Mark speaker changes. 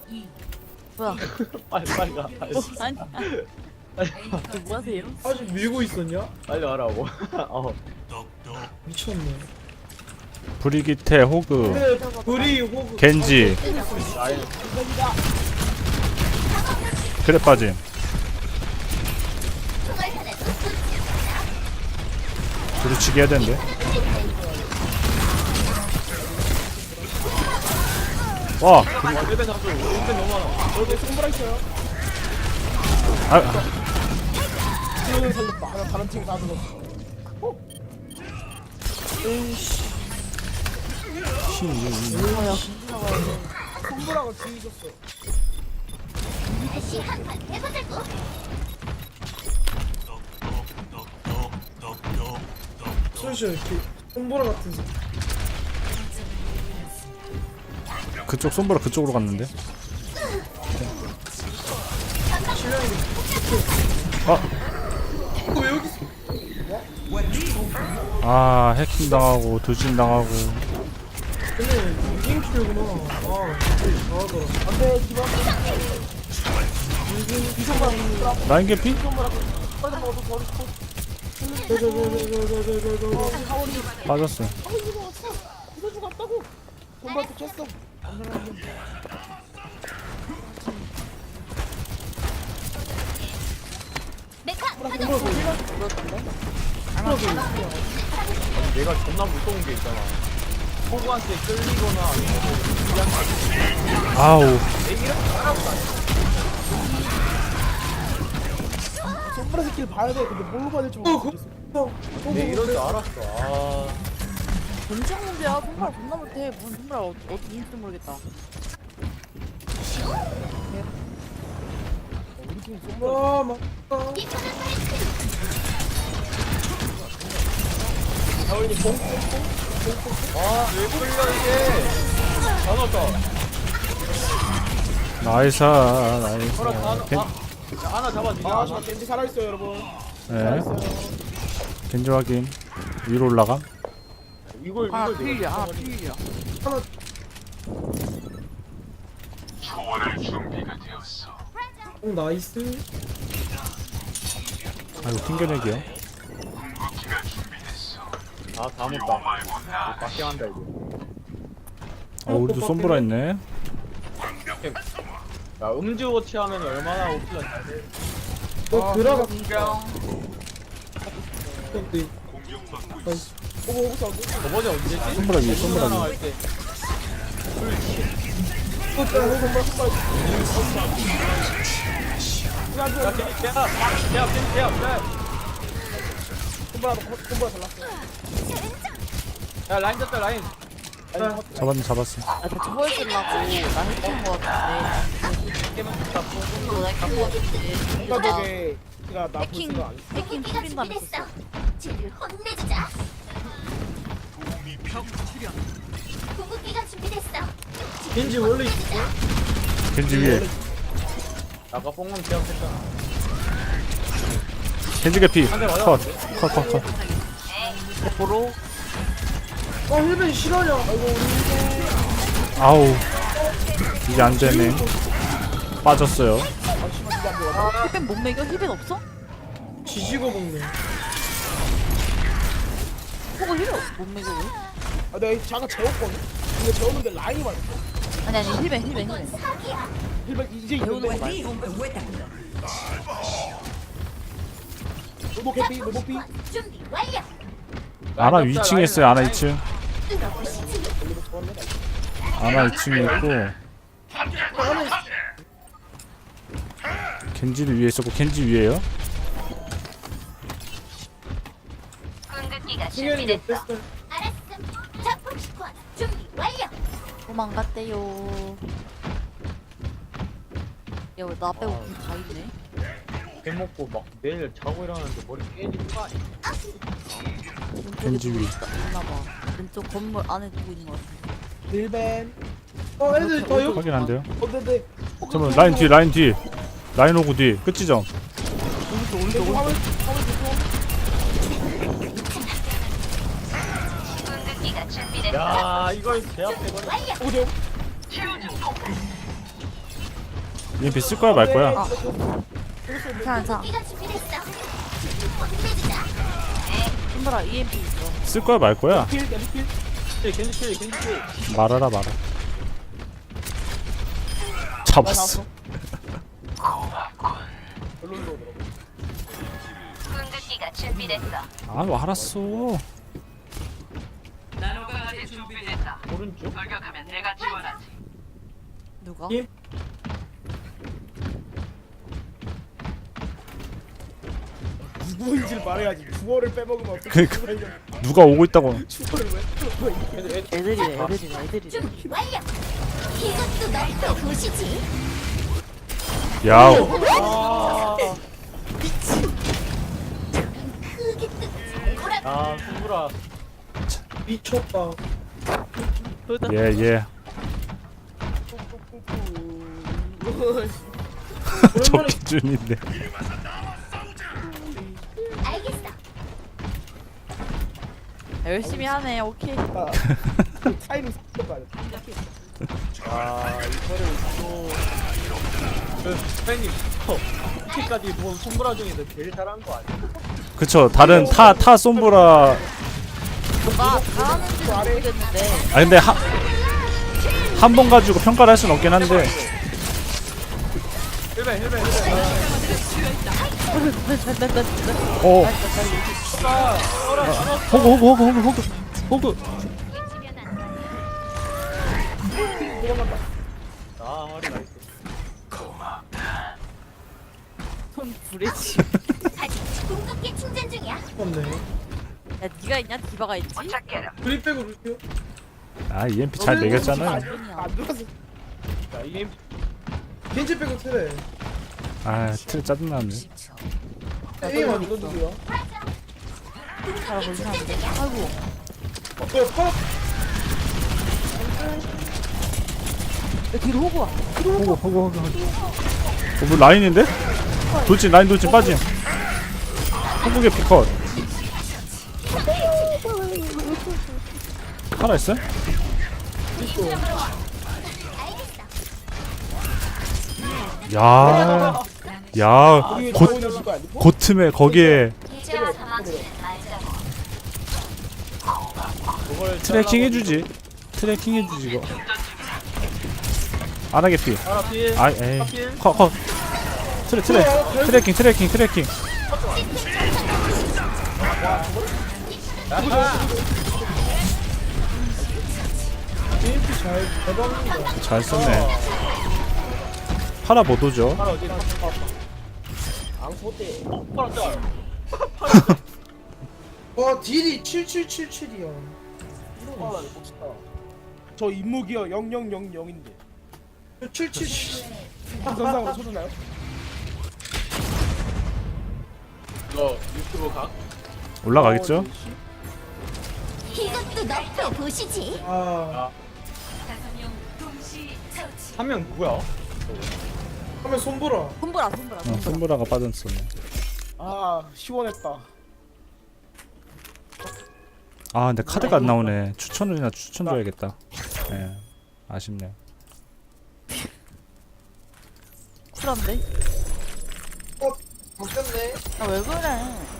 Speaker 1: 뭐야?
Speaker 2: 빨리 가.
Speaker 1: 아니, 뭐 하세요?
Speaker 3: 아직 밀고 있었냐?
Speaker 2: 빨리 와라고.
Speaker 3: 미쳤네.
Speaker 4: 브리기테 호그
Speaker 3: 근데 불이 호그
Speaker 4: 겐지
Speaker 2: 라인.
Speaker 4: 그래 빠짐. 부딪히기 해야 되는데. 와,
Speaker 2: 1배 잡죠. 1배 너무 많아.
Speaker 3: 여기 손브라 있어요.
Speaker 4: 아,
Speaker 3: 팀을 살렸다. 하나 다른 팀 다 죽었어. 손브라가 뒤졌어.
Speaker 5: 다시 한판 해보자고.
Speaker 3: 솔직히 이렇게 손브라 같은 새.
Speaker 4: 그쪽 손보라 그쪽으로 갔는데.
Speaker 3: 왜 여기 있어?
Speaker 4: 아, 해킹 당하고 도진 당하고.
Speaker 3: 근데 게임 키려구나. 아, 잘하더라. 안돼, 기반.
Speaker 4: 라인 개피? 빠졌어.
Speaker 3: 손브라 또 쳤어.
Speaker 5: 메카
Speaker 2: 얘가 존나 무서운 게 있잖아. 호구한테 끌리거나 아니면
Speaker 4: 아우,
Speaker 3: 손브라 새끼를 봐야 돼. 근데 뭘로 봐야 될지 모르겠어.
Speaker 2: 얘 이럴 줄 알았어. 아.
Speaker 1: 전쟁 문제야. 손발 존나 못해. 무슨 손발 어떻게 인지 모르겠다.
Speaker 3: 우리 팀 손브라 막. 자원이
Speaker 2: 왜 끌려 이게? 다 넣었다.
Speaker 4: 나이스, 나이스.
Speaker 2: 허락 다
Speaker 4: 겐,
Speaker 2: 넣. 하나 잡아주자.
Speaker 3: 아, 저 겐지 살아있어요, 여러분.
Speaker 4: 네,
Speaker 3: 살아있어요.
Speaker 4: 겐지 확인. 위로 올라감.
Speaker 2: 이걸
Speaker 1: 아,
Speaker 2: 내가
Speaker 1: 필이야. 아,
Speaker 2: 잡아버리네.
Speaker 1: 필이야.
Speaker 3: 하나 오, 나이스.
Speaker 4: 아이고, 튕겨내기요.
Speaker 2: 다 못다. 빡게 한다 이거.
Speaker 4: 아, 우리도 손보라 있네.
Speaker 2: 야 음주워치 하면 얼마나 오피가 잘 돼.
Speaker 3: 너 들어가.
Speaker 1: 인정.
Speaker 3: 근데 나이스. 오고 싸고.
Speaker 2: 저번에 언제지?
Speaker 4: 손보라 위에, 손보라 위에.
Speaker 2: 나갈 때.
Speaker 3: 또 손브라 손브라.
Speaker 2: 야 대야.
Speaker 3: 손브라 잘났어.
Speaker 2: 야 라인 잡자 라인.
Speaker 4: 잡았어.
Speaker 1: 아, 대체 보여주려고 나 했던 거 같은데.
Speaker 2: 게임은 잡고.
Speaker 1: 이거 나 했던 거 같은데.
Speaker 3: 뭔가 저게 제가 나
Speaker 1: 해킹,
Speaker 3: 보지가 않았어.
Speaker 1: 해킹
Speaker 5: 궁극기가
Speaker 1: 풀린다는
Speaker 5: 준비됐어.
Speaker 1: 거.
Speaker 5: 쟤를 혼내주자. 궁극기가 준비됐어.
Speaker 3: 겐지 원래 있었어?
Speaker 4: 겐지 위에.
Speaker 2: 아까 뽕만 제압했잖아.
Speaker 4: 겐지 개피.
Speaker 2: 한 대 맞아.
Speaker 4: 컷.
Speaker 1: 보로.
Speaker 3: 아, 힐벤 실화냐? 아이고, 우리
Speaker 4: 아우. 이제 안 되네. 빠졌어요.
Speaker 1: 아, 힐벤 못 매겨? 힐벤 없어?
Speaker 3: 지지고 먹네.
Speaker 1: 호그 힐벤 못 매겨 왜?
Speaker 3: 아, 내가 잠깐 재웠거든? 근데 재웠는데 라인이 맞았어.
Speaker 1: 아니 힐벤.
Speaker 3: 힐벤 이제
Speaker 1: 배우는
Speaker 3: 있는데.
Speaker 1: 거 맞아.
Speaker 3: 로보 캐피, 로보 피.
Speaker 5: 준비 완료.
Speaker 4: 아나 2층에 있어요. 아나 2층. 아나 2층에 있고 겐지도 위에 있었고 겐지 위에요.
Speaker 5: 궁극기가
Speaker 3: 승현이
Speaker 5: 준비됐어.
Speaker 3: 어땠어?
Speaker 5: 알았음. 자폭 스쿼드 준비 완료.
Speaker 1: 도망갔대요. 야, 왜 나 빼고 다 있네?
Speaker 2: 배 먹고 막 내일 자고 일어나는데 머리 깨지는 거 아니야?
Speaker 4: 겐지 위.
Speaker 1: 있나봐. 왼쪽 건물 안에 누구 있는 거 같아.
Speaker 3: 힐벤. 애들 더 요?
Speaker 4: 확인 안 돼요.
Speaker 3: 근데
Speaker 4: 잠깐만 라인 뒤. 라인 오고 뒤. 끝지점.
Speaker 3: 오른쪽 화물
Speaker 5: 궁극기가 준비됐어.
Speaker 2: 야 이걸 제압해버려.
Speaker 5: 완료.
Speaker 3: 오죠.
Speaker 4: EMP 쓸 거야 말 거야?
Speaker 1: 괜찮아.
Speaker 5: 궁극기가 준비됐어. 혼내주자.
Speaker 1: 손보라 EMP 있어.
Speaker 4: 쓸 거야 말 거야?
Speaker 3: 킬 킬.
Speaker 2: 겐지
Speaker 4: 말아라 말아. 잡았어.
Speaker 3: 별로로 들어.
Speaker 5: 궁극기가 준비됐어.
Speaker 4: 아 뭐 알았어.
Speaker 2: 오른쪽?
Speaker 1: 누가?
Speaker 2: 예.
Speaker 3: 누구인지를 말해야지. 주어를 빼먹으면 어떻게?
Speaker 4: 그러니까. 누가 오고 있다고.
Speaker 3: 주어를 왜?
Speaker 1: 애들이래.
Speaker 5: 준비 완료. 이것도 너도 보시지.
Speaker 4: 야
Speaker 5: 크게 뜨고 고라.
Speaker 2: 아 손브라
Speaker 3: 미쳤다.
Speaker 4: 예. 저 기준인데.
Speaker 5: 알겠어.
Speaker 1: 열심히 하네. 오케이.
Speaker 3: 타이밍 섞어봐.
Speaker 2: 아 이거를 또그 선생님 이렇게까지 본 손브라 중에서 제일 잘한 거 아니야?
Speaker 4: 그쵸. 다른 타 솜브라.
Speaker 1: 누가 잘하는지 모르겠는데.
Speaker 4: 아 근데 한 번 가지고 평가를 할 수는 없긴 한데.
Speaker 2: 힐벤
Speaker 4: 어. 호그.
Speaker 2: 아 허리 나이스
Speaker 1: 손 부리지.
Speaker 5: 아직 궁극기 충전 중이야.
Speaker 3: 없네.
Speaker 1: 야 니가 있냐? 디바가 있지?
Speaker 3: 그립 빼고 루시오.
Speaker 4: 아 EMP 잘 매겼잖아.
Speaker 3: 안 들어서.
Speaker 2: 자 이게
Speaker 3: 겐지 빼고 트레.
Speaker 4: 아 틀 짜증나네.
Speaker 3: 에임 아니 이건 누구야?
Speaker 5: 궁극기 충전 중이야.
Speaker 1: 아이고.
Speaker 3: 뭐야 파?
Speaker 1: 야 뒤로 호구 와.
Speaker 4: 호그. 뭐 라인인데? 돌진 라인 돌진 빠짐. 한국의 피컷. 하나 있어? 야,
Speaker 3: 우리
Speaker 4: 곧
Speaker 3: 나오는 누구 아니고?
Speaker 4: 고틈에 거기에
Speaker 5: 이제와 사막지는 말자고.
Speaker 2: 그걸
Speaker 4: 트래킹 해주지. 트래킹 해주지 이거. 안 하게 피.
Speaker 2: 하나 필
Speaker 4: 아, 에이. 컷. 트래킹.
Speaker 3: EMP 잘 대박입니다.
Speaker 4: 잘 썼네. 파라 못 오죠?
Speaker 2: 하나 어디
Speaker 3: 앙소대.
Speaker 2: 파라 짤
Speaker 3: 와 딜이 7777이야. 저 임무기어 0000인데. 777. 전상으로 쳐주나요?
Speaker 2: 이거 유튜브 각?
Speaker 4: 올라가겠죠?
Speaker 5: 이것도 너도 보시지.
Speaker 3: 아.
Speaker 2: 한 명 누구야?
Speaker 3: 하면 손보라.
Speaker 1: 손보라.
Speaker 4: 손브라가 빠졌었네.
Speaker 3: 아 시원했다.
Speaker 4: 아 근데 카드가 안 나오네. 추천 줘야겠다. 예, 아쉽네.
Speaker 1: 쿨한데?
Speaker 3: 바뀌었네.
Speaker 1: 아 왜 그래?